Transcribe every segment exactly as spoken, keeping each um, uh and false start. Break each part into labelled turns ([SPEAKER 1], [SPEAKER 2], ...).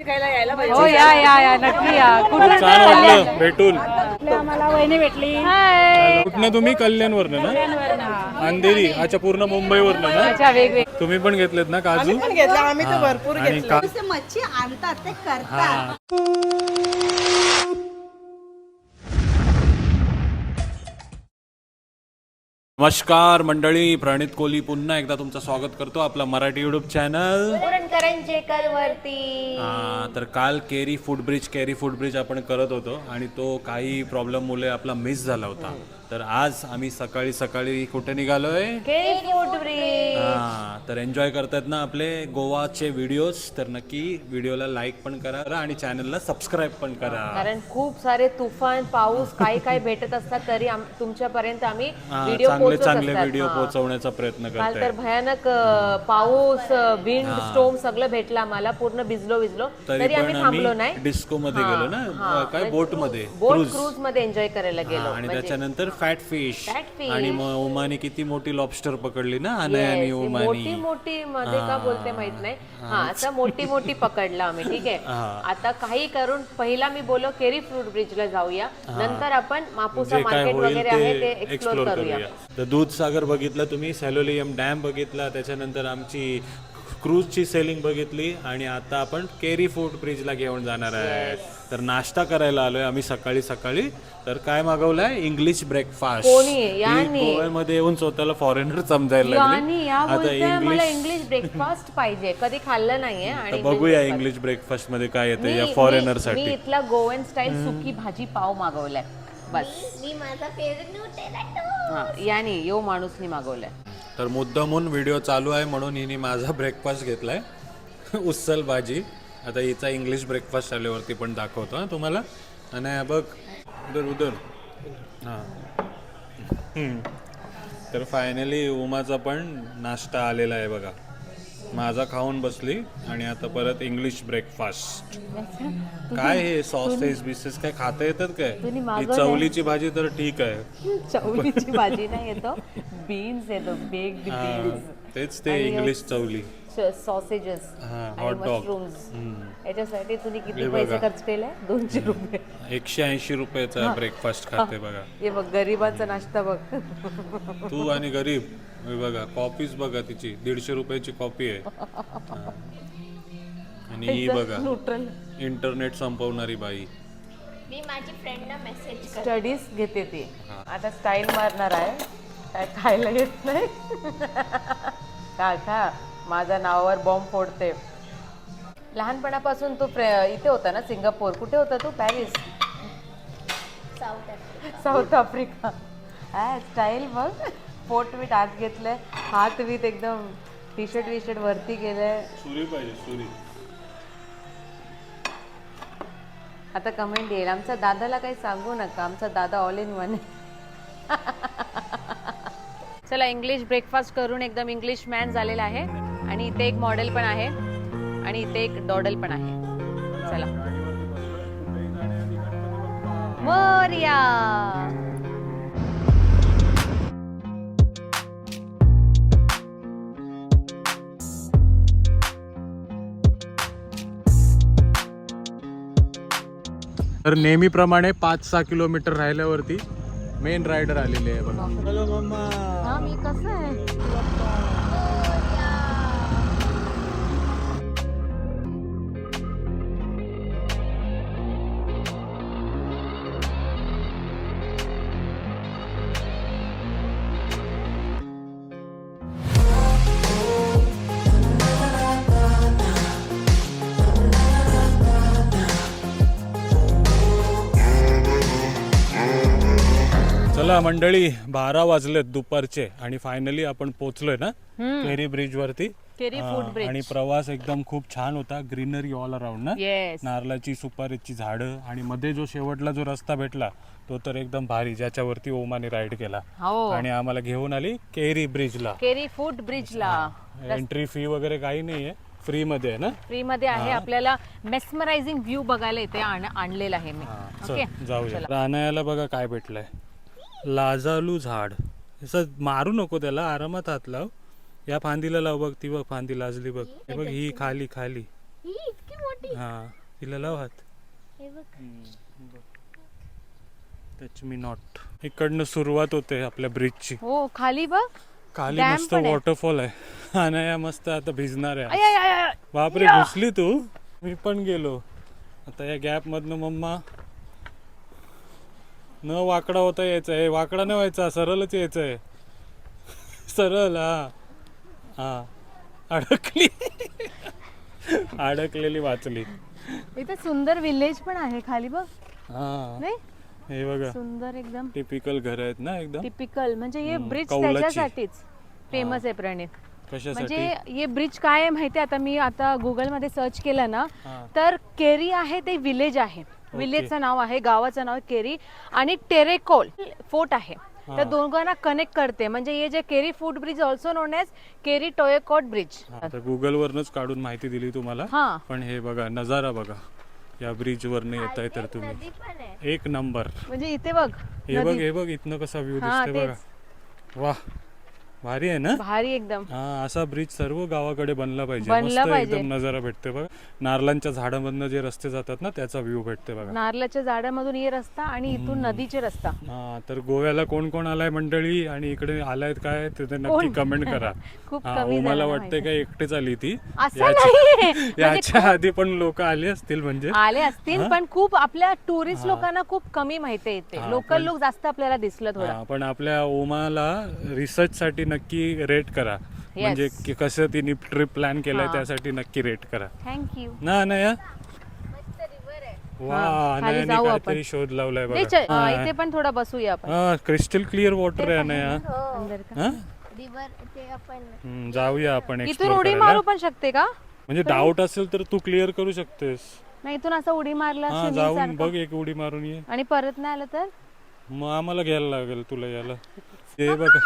[SPEAKER 1] बघायला यायला
[SPEAKER 2] हो
[SPEAKER 1] पाहिजे.
[SPEAKER 2] या या या नक्की या. कुठून
[SPEAKER 3] छान वाटलं भेटून.
[SPEAKER 1] आम्हाला वहिनी भेटली.
[SPEAKER 2] हाय.
[SPEAKER 3] कुठनं तुम्ही? कल्याणवरनं ना? अंधेरी. अच्छा, पूर्ण मुंबईवरनं ना?
[SPEAKER 2] अच्छा वेगवेगळे.
[SPEAKER 3] तुम्ही पण घेतलेत ना काजू?
[SPEAKER 1] पण घेतला आम्ही तर भरपूर
[SPEAKER 3] आणि
[SPEAKER 1] घेतलं.
[SPEAKER 3] का-
[SPEAKER 4] जसे मच्छी आणतात ते करतात.
[SPEAKER 3] हा. नमस्कार मंडळी, प्रणित कोहली पुन्हा एकदा तुमचं स्वागत करतो आपला मराठी युट्यूब चॅनल.
[SPEAKER 2] करंजेकर वरती.
[SPEAKER 3] हा, तर काल Keri foot bridge Keri foot bridge आपण करत होतो आणि तो काही प्रॉब्लेममुळे आपला मिस झाला होता. तर आज आम्ही सकाळी सकाळी कुठे निघालोय?
[SPEAKER 2] Carry foot bridge.
[SPEAKER 3] हा, तर एन्जॉय करतात ना आपले गोवाचे व्हिडिओज. तर नक्की व्हिडिओला लाईक पण करा आणि चॅनलला सबस्क्राईब पण करा.
[SPEAKER 2] कारण खूप सारे तुफान पाऊस काही काही भेटत असतात तरी आम- तुमच्यापर्यंत आम्ही
[SPEAKER 3] हा,
[SPEAKER 2] व्हिडिओ
[SPEAKER 3] चांगले
[SPEAKER 2] पोहोचवत
[SPEAKER 3] चांगले
[SPEAKER 2] असतात.
[SPEAKER 3] व्हिडिओ
[SPEAKER 2] हा.
[SPEAKER 3] पोहोचवण्याचा प्रयत्न
[SPEAKER 2] काल
[SPEAKER 3] करताय.
[SPEAKER 2] तर भयानक अ, पाऊस विंड स्टोम सगळं भेटला आम्हाला. पूर्ण भिजलो भिजलो
[SPEAKER 3] तरी
[SPEAKER 2] तरी
[SPEAKER 3] पण
[SPEAKER 2] आम्ही थांबलो
[SPEAKER 3] आम्ही
[SPEAKER 2] नाही.
[SPEAKER 3] डिस्को मध्ये
[SPEAKER 2] हा,
[SPEAKER 3] गेलो ना,
[SPEAKER 2] हा.
[SPEAKER 3] काय बोट मध्ये,
[SPEAKER 2] बोट
[SPEAKER 3] क्रूज.
[SPEAKER 2] क्रूज मध्ये एन्जॉय करायला गेलो.
[SPEAKER 3] आणि
[SPEAKER 2] म्हणजे
[SPEAKER 3] त्याच्यानंतर फॅट फिश
[SPEAKER 2] Fat fish.
[SPEAKER 3] आणि मग उमाने किती मोठी लॉबस्टर पकडली ना, अनय
[SPEAKER 2] Yes,
[SPEAKER 3] आणि
[SPEAKER 2] ही मोठी
[SPEAKER 3] उमानी.
[SPEAKER 2] मोठी मध्ये का बोलते माहित नाही. हा असं मोठी मोठी पकडला आम्ही. ठीक आहे.
[SPEAKER 3] हा.
[SPEAKER 2] आता काही करून पहिला मी बोलो केरी फ्रूट ब्रिजला जाऊया, नंतर आपण मापुसा
[SPEAKER 3] जे काय
[SPEAKER 2] मार्केट
[SPEAKER 3] होईल
[SPEAKER 2] वगैरे आहे ते
[SPEAKER 3] ते
[SPEAKER 2] एक्सप्लोर
[SPEAKER 3] एक्सप्लोर
[SPEAKER 2] करूया.
[SPEAKER 3] करूया. तर दूधसागर बघितलं तुम्ही, सॅलोलियम डॅम बघितला, त्याच्यानंतर आमची क्रूजची सेलिंग बघितली आणि आता आपण केरी फूड ब्रिजला घेऊन जाणार आहे. तर नाश्ता करायला आलोय आम्ही सकाळी सकाळी. तर काय मागवलंय? English breakfast.
[SPEAKER 2] कोणी? यांनी.
[SPEAKER 3] गोव्यामध्ये येऊन स्वतःला फॉरेनर समजायला
[SPEAKER 2] आणि या
[SPEAKER 3] लागले.
[SPEAKER 2] बोलते मला इंग्लिश ब्रेकफास्ट पाहिजे, कधी खाल्लं नाहीये.
[SPEAKER 3] तर
[SPEAKER 2] आणि
[SPEAKER 3] बघूया इंग्लिश ब्रेकफास्ट मध्ये काय येतं या
[SPEAKER 2] मी-
[SPEAKER 3] फॉरेनर
[SPEAKER 2] मी
[SPEAKER 3] साठी.
[SPEAKER 2] इथला गोवन स्टाईल सुकी भाजी पाव मागवलाय बस.
[SPEAKER 4] मी माझा फेवरेट न्यूटेला
[SPEAKER 2] हा, याने यो माणूसनी मागवलाय.
[SPEAKER 3] तर मुद्दामून व्हिडिओ चालू आहे म्हणून हिने माझा ब्रेकफास्ट घेतलाय उसल भाजी. आता हिचा इंग्लिश ब्रेकफास्ट आल्यावरती पण दाखवतो हा तुम्हाला. आणि हा बघ उधर उधर. हां, तर फायनली उमाचा पण नाश्ता आलेला आहे बघा. माझा खाऊन बसली आणि आता परत इंग्लिश ब्रेकफास्ट. काय हे सॉसेस बिसेस काय खाता येतात काय?
[SPEAKER 2] तुम्ही
[SPEAKER 3] ही
[SPEAKER 2] मागवलंय?
[SPEAKER 3] चवलीची भाजी तर ठीक आहे.
[SPEAKER 2] चवलीची भाजी नाही येतो, बीन्स येतो, बेग्ड
[SPEAKER 3] हा,
[SPEAKER 2] बीन्स,
[SPEAKER 3] तेच ते इंग्लिश चवली.
[SPEAKER 2] सॉसेजेस
[SPEAKER 3] हा,
[SPEAKER 2] आणि
[SPEAKER 3] hot dog.
[SPEAKER 2] मशरूम्स. याच्यासाठी तुम्ही किती
[SPEAKER 3] हे
[SPEAKER 2] पैसे
[SPEAKER 3] बघा.
[SPEAKER 2] खर्च केले? दोनशे रुपये.
[SPEAKER 3] एकशे ऐंशी रुपयाचा ब्रेकफास्ट खाते बघा.
[SPEAKER 2] हे बघ गरीबाचा नाश्ता बघ.
[SPEAKER 3] तू आणि गरीब. हे बघा कॉपीच बघा तिची, दीडशे रुपयाची कॉपी आहे. हा. आणि ही बघा
[SPEAKER 2] न्यूट्रल
[SPEAKER 3] इंटरनेट संपवणारी बाई.
[SPEAKER 4] मी माझी फ्रेंडना मेसेज करते.
[SPEAKER 2] स्टडीज घेते ती. आता स्टाईल मारणार आहे, काय खायला येत नाही. का खा माझ्या नावावर बॉम्ब फोडते. लहानपणापासून तू प्रे- इथे होता ना, सिंगापूर. कुठे होता तू? Paris,
[SPEAKER 4] South Africa.
[SPEAKER 2] South Africa. हा स्टाईल बघ. पोट बीट आत घेतलंय, हात बीत एकदम टी शर्ट वी शर्ट वरती गेलंय.
[SPEAKER 3] सुरी पाहिजे सुरी.
[SPEAKER 2] आता कमेंट येईल, आमच्या दादाला काही सांगू नका, आमचा दादा ऑल इन वन. चला इंग्लिश ब्रेकफास्ट करून एकदम इंग्लिश मॅन झालेला आहे. आणि इथे एक मॉडेल पण आहे आणि इथे एक डॉडल पण आहे. चला मोरया.
[SPEAKER 3] तर नेहमीप्रमाणे पाच सहा किलोमीटर राहिल्यावरती मेन रायडर आलेले आहे बघा. Hello mamma.
[SPEAKER 2] हा मी कसं आहे.
[SPEAKER 3] चला मंडळी, बारा वाजलेत दुपारचे आणि फायनली आपण पोहोचलोय ना केरी ब्रिज वरती.
[SPEAKER 2] केरी फूड
[SPEAKER 3] हा,
[SPEAKER 2] ब्रिज.
[SPEAKER 3] आणि प्रवास एकदम खूप छान होता. ग्रीनरी ऑल अराउंड ना,
[SPEAKER 2] येस.
[SPEAKER 3] नारळाची सुपारीची झाडं आणि मध्ये जो शेवटला जो रस्ता भेटला तो तर एकदम भारी, ज्याच्यावरती ओमाने राईड केला
[SPEAKER 2] हो.
[SPEAKER 3] आणि आम्हाला घेऊन आली केरी ब्रिजला.
[SPEAKER 2] केरी फूड ब्रिजला.
[SPEAKER 3] एंट्री फी वगैरे काही नाहीये, फ्री मध्ये आहे ना.
[SPEAKER 2] फ्री मध्ये आहे. आपल्याला मेस्मरायझिंग व्ह्यू बघायला इथे आण- आणलेला आहे मी.
[SPEAKER 3] हा,
[SPEAKER 2] ओके
[SPEAKER 3] चल जाऊया. रानायाला बघा काय भेटलंय, लाजालू झाड. असं मारू नको त्याला, आरामात हात लाव. या फांदीला लाव बघ, ती बघ फांदी लाजली बघ. हे बघ ही खाली खाली
[SPEAKER 4] ही इतकी मोठी.
[SPEAKER 3] हा तिला लाव हात.
[SPEAKER 4] हे बघ.
[SPEAKER 3] Touch me not. इकडनं सुरुवात होते आपल्या ब्रिजची.
[SPEAKER 2] हो खाली बघ.
[SPEAKER 3] खाली
[SPEAKER 2] Dam
[SPEAKER 3] मस्त
[SPEAKER 2] पण आहे.
[SPEAKER 3] वॉटरफॉल आहे. अनया मस्त आता भिजणार आहे.
[SPEAKER 2] आय, आय, आय, आय.
[SPEAKER 3] बापरे घुसली तू. मी पण गेलो. आता या गॅप मधनं मम्मा न वाकडा होता यायचा आहे. वाकडा नाही व्हायचा, सरळच यायचं आहे. सरळ. हा हा अडकली. अडकलेली वाचली.
[SPEAKER 2] इथे सुंदर विलेज पण आहे खाली बघ.
[SPEAKER 3] हा
[SPEAKER 2] नाही
[SPEAKER 3] हे बघा
[SPEAKER 2] सुंदर एकदम
[SPEAKER 3] टिपिकल घर आहेत ना एकदम.
[SPEAKER 2] टिपिकल. म्हणजे हे
[SPEAKER 3] हम्म,
[SPEAKER 2] ब्रिज
[SPEAKER 3] कौलाची.
[SPEAKER 2] त्याच्यासाठीच फेमस आहे प्रणित.
[SPEAKER 3] कशासाठी?
[SPEAKER 2] म्हणजे हे ब्रिज काय आहे माहिती आहे, आता मी आता गुगल मध्ये सर्च केलं ना
[SPEAKER 3] हा.
[SPEAKER 2] तर केरी आहे ते विलेज आहे. विलेजचं नाव आहे, गावाचं नाव आहे केरी आणि टेरेकोल फोर्ट आहे. त्या दोघांना कनेक्ट करते. म्हणजे हे जे Keri foot bridge also known as Keri Tiracol bridge.
[SPEAKER 3] Google वरनच काढून माहिती दिली तुम्हाला.
[SPEAKER 2] हा
[SPEAKER 3] पण हे बघा नजारा बघा या ब्रिज वरनं येत आहे तर तुम्ही.
[SPEAKER 4] नदी पण आहे.
[SPEAKER 3] एक नंबर.
[SPEAKER 2] म्हणजे इथे बघ
[SPEAKER 3] हे बघ
[SPEAKER 2] नदी.
[SPEAKER 3] हे बघ इथनं कसा व्ह्यू
[SPEAKER 2] हा,
[SPEAKER 3] दिसतोय बघा. वा भारी आहे ना.
[SPEAKER 2] भारी एकदम.
[SPEAKER 3] हा असा ब्रिज सर्व गावाकडे बनला पाहिजे.
[SPEAKER 2] बनला
[SPEAKER 3] मस्त
[SPEAKER 2] पाहिजे.
[SPEAKER 3] एकदम नजारा भेटते बघा. नारळांच्या झाडामधनं जे रस्ते जातात ना त्याचा व्ह्यू भेटते बघा.
[SPEAKER 2] नारळाच्या झाडामधून ये रस्ता आणि इथून नदीचे रस्ता.
[SPEAKER 3] हा तर गोव्याला कोण कोण आलाय मंडळी आणि इकडे आलायत काय ते तर नक्की
[SPEAKER 2] कोण?
[SPEAKER 3] कमेंट करा.
[SPEAKER 2] खूप
[SPEAKER 3] हा,
[SPEAKER 2] कमी
[SPEAKER 3] मला
[SPEAKER 2] जणांना
[SPEAKER 3] वाटतंय
[SPEAKER 2] माहिती.
[SPEAKER 3] काय एकटेच आली ती.
[SPEAKER 2] असं
[SPEAKER 3] याच्या-
[SPEAKER 2] नाहीये. म्हणजे
[SPEAKER 3] याच्या आधी पण लोक आले असतील म्हणजे.
[SPEAKER 2] आले असतील पण खूप आपल्या टुरिस्ट लोकांना खूप कमी माहिती येते.
[SPEAKER 3] हा,
[SPEAKER 2] लोकल
[SPEAKER 3] पण-
[SPEAKER 2] लोक जास्त आपल्याला दिसलं थोडं.
[SPEAKER 3] हा, पण आपल्या ओमाला रिसर्च साठी नक्की रेट करा. म्हणजे की कसं तिने ट्रिप प्लॅन केलाय
[SPEAKER 2] हा.
[SPEAKER 3] त्यासाठी नक्की रेट करा
[SPEAKER 2] थँक्यू.
[SPEAKER 3] ना अनया.
[SPEAKER 4] मस्त रिव्हर आहे.
[SPEAKER 3] वा
[SPEAKER 2] हा, खाली
[SPEAKER 3] अनयाने
[SPEAKER 2] जाऊ
[SPEAKER 3] काहीतरी
[SPEAKER 2] आपण.
[SPEAKER 3] शोध लावलाय
[SPEAKER 2] नाही,
[SPEAKER 3] बघा.
[SPEAKER 2] च- हा, इथे पण थोडा बसूया आपण.
[SPEAKER 3] हा क्रिस्टल क्लिअर वॉटर आहे अनया.
[SPEAKER 4] हो.
[SPEAKER 2] अंदर का?
[SPEAKER 3] हा?
[SPEAKER 4] रिव्हर ते आपण
[SPEAKER 3] हम्म, जाऊया आपण
[SPEAKER 2] इथून
[SPEAKER 3] एक्सप्लोर
[SPEAKER 2] उडी
[SPEAKER 3] करायला.
[SPEAKER 2] मारू पण शकते का?
[SPEAKER 3] म्हणजे डाऊट असेल तर तू क्लिअर करू शकतेस.
[SPEAKER 2] नाही इथून असं उडी मारला
[SPEAKER 3] हा
[SPEAKER 2] swimming
[SPEAKER 3] जाऊन
[SPEAKER 2] सारखं.
[SPEAKER 3] बघ एक उडी मारून ये.
[SPEAKER 2] आणि परत नाही आलं तर
[SPEAKER 3] मग आम्हाला घ्यायला लागेल तुला याला. ते बघा.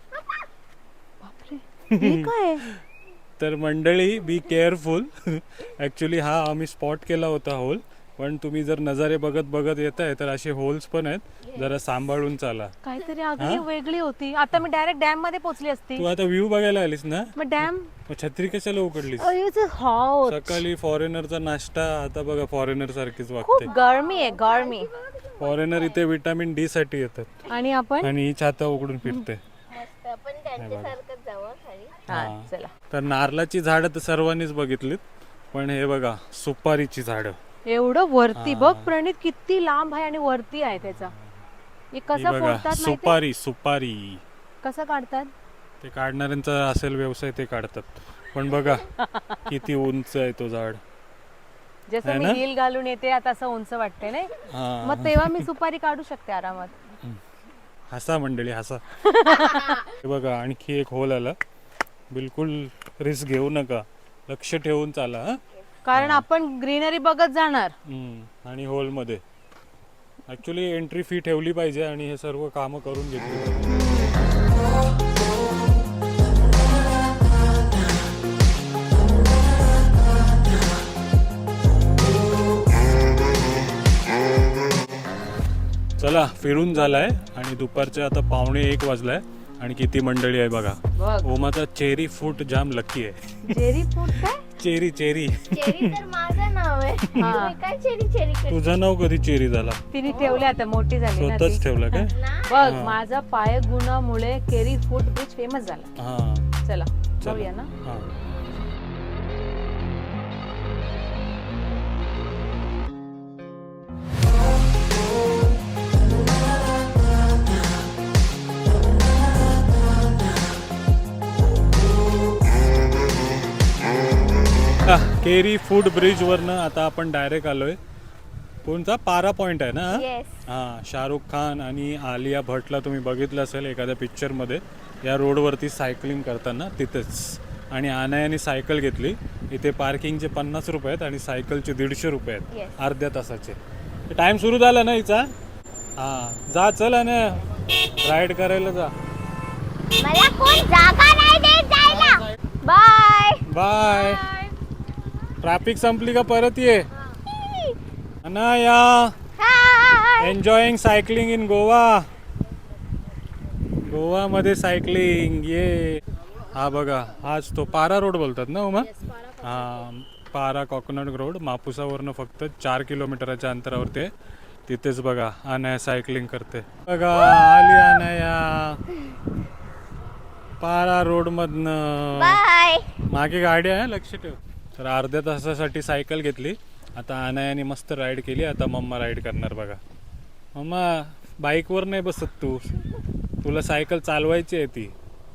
[SPEAKER 2] हे काय?
[SPEAKER 3] तर मंडळी बी केअरफुल. ऍक्च्युली हा आम्ही स्पॉट केला होता होल. पण तुम्ही जर नजारे बघत बघत येत आहे तर असे होल्स पण आहेत. जरा सांभाळून चाला.
[SPEAKER 2] काहीतरी आगळी वेगळी होती. आता मी डायरेक्ट डॅम मध्ये पोहोचली असती.
[SPEAKER 3] तू आता व्ह्यू बघायला आलीस ना.
[SPEAKER 2] मग डॅम
[SPEAKER 3] मग छत्री कशाला उकडलीस?
[SPEAKER 2] हॉट.
[SPEAKER 3] सकाळी फॉरेनरचा नाश्ता आता बघा फॉरेनर सारखीच
[SPEAKER 2] खूप
[SPEAKER 3] वागते.
[SPEAKER 2] गरमी आहे गरमी.
[SPEAKER 3] फॉरेनर इथे विटामिन डी साठी येतात
[SPEAKER 2] आणि आपण
[SPEAKER 3] आणि ही छाता उघडून फिरते.
[SPEAKER 4] मस्त आपण त्यांच्यासारखंच जाऊ हं खाली.
[SPEAKER 2] हा
[SPEAKER 3] हा.
[SPEAKER 2] चला.
[SPEAKER 3] तर नारळाची झाडं तर सर्वांनीच बघितलीत. पण हे बघा सुपारीची झाडं.
[SPEAKER 2] एवढं वरती बघ प्रणित किती लांब आहे आणि वरती आहे त्याचा. हे
[SPEAKER 3] ही
[SPEAKER 2] कसं
[SPEAKER 3] बघा
[SPEAKER 2] फोडतात माहिती?
[SPEAKER 3] सुपारी सुपारी.
[SPEAKER 2] कसं काढतात?
[SPEAKER 3] ते काढणाऱ्यांचा असेल व्यवसाय ते काढतात. पण बघा किती उंच आहे तो झाड.
[SPEAKER 2] जसं
[SPEAKER 3] है
[SPEAKER 2] मी
[SPEAKER 3] ना?
[SPEAKER 2] हिल घालून येते आता असं उंच वाटते नाही.
[SPEAKER 3] हा
[SPEAKER 2] मग तेव्हा मी सुपारी काढू शकते आरामात.
[SPEAKER 3] हसा मंडळी हसा. हे बघा आणखी एक होल आला. बिलकुल रिस्क घेऊ नका. लक्ष ठेवून चाला. हा?
[SPEAKER 2] कारण आपण ग्रीनरी बघत जाणार.
[SPEAKER 3] हम्म. आणि होल मध्ये ऍक्च्युली एंट्री फी ठेवली पाहिजे आणि हे सर्व कामं करून घेतली पाहिजे. चला फिरून झालाय आणि दुपारचे आता पावणे एक वाजलाय आणि किती मंडळी आहे बघा.
[SPEAKER 2] बघ
[SPEAKER 3] ओमाचा चेरी फूट जाम लकी आहे.
[SPEAKER 2] चेरी फूड काय?
[SPEAKER 3] Cherry Cherry.
[SPEAKER 4] चेरी तर माझं नाव आहे.
[SPEAKER 2] हा.
[SPEAKER 4] तुम्ही काय चेरी चेरी करता?
[SPEAKER 3] तुझं नाव कधी चेरी झाला?
[SPEAKER 2] तिने ठेवली आता मोठी झाली ना ती.
[SPEAKER 3] स्वतःच ठेवलं काय?
[SPEAKER 2] बघ माझा पाय गुणामुळे केरी फूड ब्रिज फेमस झाला.
[SPEAKER 3] हा
[SPEAKER 2] चला
[SPEAKER 3] चला.
[SPEAKER 2] जाऊया ना.
[SPEAKER 3] हा हा, केरी फूड ब्रिज वरनं आता आपण डायरेक्ट आलोय. कोणता पारा पॉइंट आहे ना हा?
[SPEAKER 4] येस.
[SPEAKER 3] हा शाहरुख खान आणि आलिया भटला तुम्ही बघितलं असेल एखाद्या पिक्चर मध्ये या रोडवरती सायकलिंग करताना तिथेच. आणि अनायाने सायकल घेतली. इथे पार्किंगचे पन्नास रुपये आहेत आणि सायकलचे दीडशे रुपये आहेत
[SPEAKER 4] Yes.
[SPEAKER 3] अर्ध्या तासाचे. टाइम सुरू झाला ना हिचा. हा जा चल अनया राईड करायला जा.
[SPEAKER 4] मला कोण जागा नाही देत जायला. बाय.
[SPEAKER 3] बाय. ट्रॅफिक संपली का परत ये. Anaya
[SPEAKER 4] hi.
[SPEAKER 3] Enjoying cycling in Goa. Goa मध्ये सायकलिंग ये. हा बघा हाच तो पारा रोड बोलतात ना उमा. हा पारा कोकोनट रोड मापुसावरनं फक्त चार किलोमीटरच्या अंतरावरती आहे. तिथेच बघा अनया सायकलिंग करते बघा. आली अनया पारा रोड मधनं.
[SPEAKER 4] बाय.
[SPEAKER 3] मागे गाडी आहे लक्ष ठेव. तर अर्ध्या तासासाठी सायकल घेतली. आता अनयाने मस्त राईड केली. आता मम्मा राईड करणार बघा. मम्मा बाईकवर नाही बसत तू, तुला सायकल चालवायची आहे ती.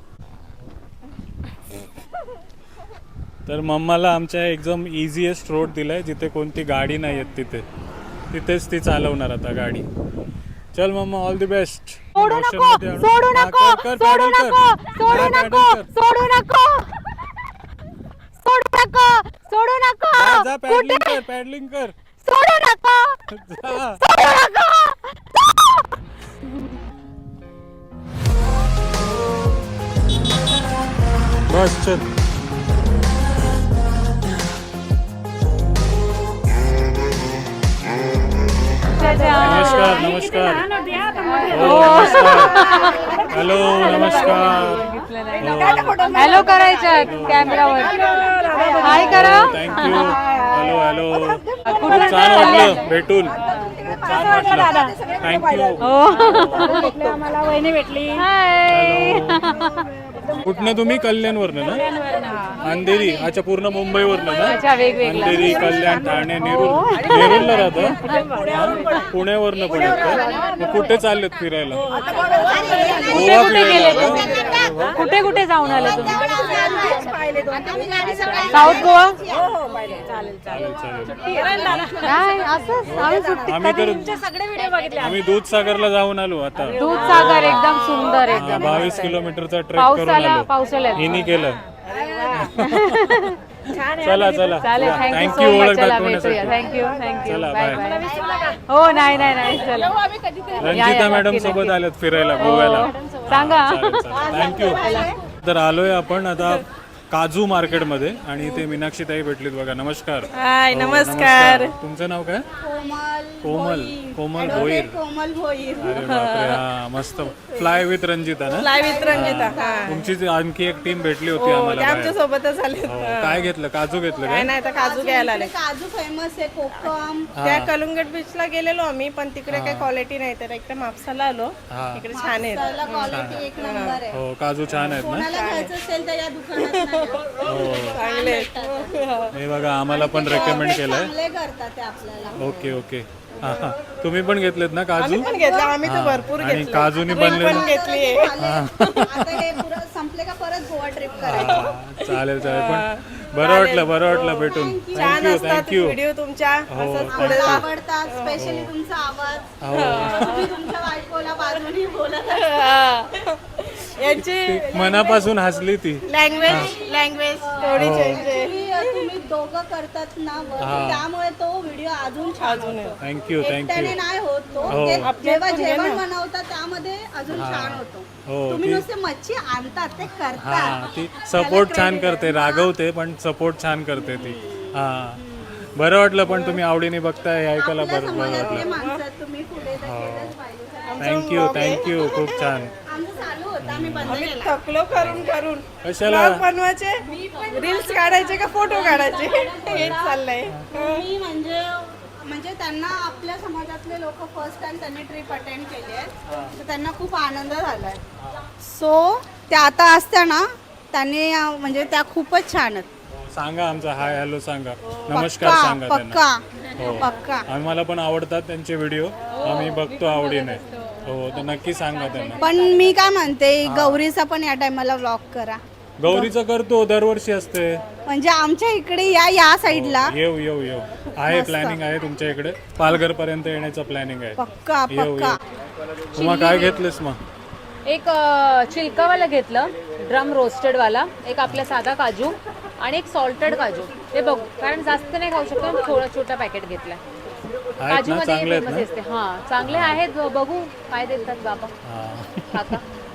[SPEAKER 3] तर मम्माला आमच्या एकदम इझिएस्ट रोड दिलाय जिथे कोणती गाडी नाही येत तिथे तिथेच ती चालवणार आता गाडी. चल मम्मा ऑल द बेस्ट.
[SPEAKER 1] सोडू नको सोडू नको सोडू नको सोडू नको सोडू नको सोडू नको सोडू नको
[SPEAKER 3] जा पॅडलिंग कर पॅडलिंग कर.
[SPEAKER 1] सोडू नको
[SPEAKER 3] जा.
[SPEAKER 1] सोडू नको.
[SPEAKER 3] बस चल. नमस्कार नमस्कार. हो नमस्कार. हॅलो नमस्कार.
[SPEAKER 1] हॅलो करायचं कॅमेरावर. हाय करा.
[SPEAKER 3] थँक्यू. Hello hello. खूप छान वाटलं भेटून. खूप छान वाटलं. थँक्यू.
[SPEAKER 1] आम्हाला वहिनी भेटली.
[SPEAKER 3] कुठनं तुम्ही? कल्याणवरनं ना? अंधेरी. अच्छा पूर्ण मुंबईवरनं ना? अंधेरी कल्याण ठाणे नेरूर. नेरूरला राहतं. पुण्यावरनं पण येतं. मग कुठे चाललेत फिरायला? गोवा फिरायला.
[SPEAKER 1] कुठे कुठे जाऊन आले तुम्ही? साऊथ गोवा.
[SPEAKER 3] चालेल चालेल.
[SPEAKER 1] काय असंच आम्ही सुट्टी
[SPEAKER 3] आम्ही तर
[SPEAKER 1] सगळे व्हिडिओ बघितले.
[SPEAKER 3] आम्ही दूधसागरला जाऊन आलो आता.
[SPEAKER 1] दूधसागर एकदम सुंदर आहे.
[SPEAKER 3] हा, बावीस किलोमीटरचा ट्रेक करून आलो.
[SPEAKER 1] पावसाळ्यात
[SPEAKER 3] हिनी केलं. चला चला.
[SPEAKER 1] चालेल. Thank you
[SPEAKER 3] thank you
[SPEAKER 1] so much.
[SPEAKER 3] ओळख
[SPEAKER 1] चला
[SPEAKER 3] दाखवण्यासाठी.
[SPEAKER 1] भेटूया. Thank you thank you.
[SPEAKER 3] चला,
[SPEAKER 1] बाय
[SPEAKER 3] बाय.
[SPEAKER 1] बाय. हो नाही नाही नाही चला.
[SPEAKER 3] रंजिता मॅडम सोबत आल्यात फिरायला गोव्याला.
[SPEAKER 1] सांगा.
[SPEAKER 3] थँक्यू. तर आलोय आपण आता काजू मार्केटमध्ये आणि इथे मीनाक्षी ताई भेटलीत बघा. नमस्कार.
[SPEAKER 5] हाय
[SPEAKER 3] हो,
[SPEAKER 5] नमस्कार.
[SPEAKER 3] तुमचं नाव काय?
[SPEAKER 5] कोमल
[SPEAKER 3] कोमल कोमल भोईर.
[SPEAKER 5] कोमल भोईर.
[SPEAKER 3] अरे बापरे. हा मस्त. फ्लाय विथ रंजिता ना?
[SPEAKER 5] Fly with Ranjita. हा
[SPEAKER 3] तुमची जी आणखी एक टीम भेटली होती
[SPEAKER 5] हो,
[SPEAKER 3] आम्हाला
[SPEAKER 5] ते आमच्या
[SPEAKER 3] बाहेर.
[SPEAKER 5] सोबतच आले.
[SPEAKER 3] हो, काय घेतलं? काजू घेतलं
[SPEAKER 5] काय
[SPEAKER 3] काय?
[SPEAKER 5] नाही तर काजू घ्यायला आले.
[SPEAKER 6] काजू फेमस आहे कोकम.
[SPEAKER 5] त्या कलुंगट बीचला गेलेलो आम्ही, पण तिकडे काही क्वालिटी नाही, तर इकडे मापसाला आलो.
[SPEAKER 3] हा.
[SPEAKER 5] इकडे छान आहे.
[SPEAKER 6] त्याला क्वालिटी एक नंबर आहे.
[SPEAKER 3] हो काजू छान आहेत ना?
[SPEAKER 6] कोणाला घ्यायचं असेल तर या दुकानात नाही.
[SPEAKER 3] हो
[SPEAKER 5] चांगले.
[SPEAKER 3] हे बघा आम्हाला पण रेकमेंड केलंय.
[SPEAKER 6] चांगले करतात ते आपल्याला.
[SPEAKER 3] Okay okay. हा हा. तुम्ही पण घेतलेत ना काजू?
[SPEAKER 5] आम्ही पण घेतलं. आम्ही तर
[SPEAKER 3] हा.
[SPEAKER 5] भरपूर
[SPEAKER 3] आणि
[SPEAKER 5] घेतले.
[SPEAKER 3] काजूनी
[SPEAKER 5] Drink
[SPEAKER 3] बनलेलं.
[SPEAKER 5] पण घेतली.
[SPEAKER 6] आता हे पुरं संपले का परत गोवा ट्रिप करायचं.
[SPEAKER 3] हा, चालेल चालेल. पण बरं वाटलं बरं वाटलं भेटून.
[SPEAKER 5] छान
[SPEAKER 3] थँक्यू
[SPEAKER 5] असतात
[SPEAKER 3] थँक्यू.
[SPEAKER 5] व्हिडिओ तुमच्या. असंच पुढे
[SPEAKER 6] मला
[SPEAKER 5] जा.
[SPEAKER 6] आवडतात स्पेशली तुमचा आवाज.
[SPEAKER 3] हो
[SPEAKER 6] तुम्ही तुमच्या बायकोला बाजूनी बोलत असता.
[SPEAKER 5] यांची
[SPEAKER 3] मनापासून हसली ती.
[SPEAKER 5] लँग्वेज लँग्वेज थोडी चेंज आहे.
[SPEAKER 6] तुम्ही तुम्ही दोघं करतात ना work, त्यामुळे तो व्हिडिओ अजून छान होतो.
[SPEAKER 3] थँक्यू
[SPEAKER 6] एकट्याने
[SPEAKER 3] थँक्यू.
[SPEAKER 6] नाही होत तो.
[SPEAKER 3] हो.
[SPEAKER 6] ते जेव्हा जेवण बनवतात त्यामध्ये अजून छान होतो.
[SPEAKER 3] हो
[SPEAKER 6] तुम्ही
[SPEAKER 3] ती
[SPEAKER 6] नुसते मच्छी आणतात ते
[SPEAKER 3] हा
[SPEAKER 6] करतात.
[SPEAKER 3] ती सपोर्ट छान करते. रागवते पण सपोर्ट छान करते ती. हा बरं वाटलं. पण तुम्ही आवडीने बघताय हे ऐकायला
[SPEAKER 6] आपल्या
[SPEAKER 3] बरं बरं
[SPEAKER 6] समाजातले
[SPEAKER 3] वाटलं.
[SPEAKER 6] माणसं तुम्ही पुढे तर केलंच पाहिजे.
[SPEAKER 3] Thank you thank you. खूप छान.
[SPEAKER 6] आमचं चालू होतं आम्ही बंद
[SPEAKER 5] आम्ही
[SPEAKER 6] केला.
[SPEAKER 5] थकलो करून करून.
[SPEAKER 3] कशाला?
[SPEAKER 5] vlog बनवायचे, रील्स काढायचे का फोटो काढायचे, हेच चाललंय.
[SPEAKER 6] मी म्हणजे म्हणजे त्यांना आपल्या समाजातले लोक फर्स्ट टाइम त्यांनी ट्रिप अटेंड केली आहे, तर त्यांना खूप आनंद झालाय. सो त्या आता असत्या ना, त्यांनी अं, म्हणजे त्या खूपच छान आहेत.
[SPEAKER 3] सांगा आमचा हाय हॅलो सांगा. नमस्कार
[SPEAKER 6] पक्का
[SPEAKER 3] सांगा त्यांना.
[SPEAKER 6] पक्का
[SPEAKER 3] हो
[SPEAKER 6] पक्का.
[SPEAKER 3] आम्हाला पण आवडतात त्यांचे व्हिडिओ. आम्ही बघतो आवडीने. हो तर नक्की सांगा त्यांना.
[SPEAKER 6] पण मी काय म्हणते, गौरीचा पण या टायमाला व्लॉग करा.
[SPEAKER 3] गौरीचं करतो दरवर्षी असते.
[SPEAKER 6] म्हणजे आमच्या इकडे या या साईडला
[SPEAKER 3] येऊ येऊ येऊ. आहे प्लॅनिंग आहे तुमच्या इकडे. पालघर पर्यंत येण्याचं प्लॅनिंग आहे.
[SPEAKER 6] पक्का
[SPEAKER 3] येऊ
[SPEAKER 6] पक्का.
[SPEAKER 3] येऊ. मग काय घेतलंस मग?
[SPEAKER 2] एक अ, चिलकावाला घेतलं, ड्रम रोस्टेडवाला. एक आपला साधा काजू आणि एक सॉल्टेड काजू. ते बघू, कारण जास्त नाही खाऊ शकतो, थोडा छोटा पॅकेट घेतलाय.
[SPEAKER 3] आहेत
[SPEAKER 2] काजू
[SPEAKER 3] ना
[SPEAKER 2] मध्ये
[SPEAKER 3] चांगले आहेत
[SPEAKER 2] famous
[SPEAKER 3] ना?
[SPEAKER 2] असते. हा चांगले आहेत. बघू काय देतात बाबा
[SPEAKER 3] हा.
[SPEAKER 2] काका.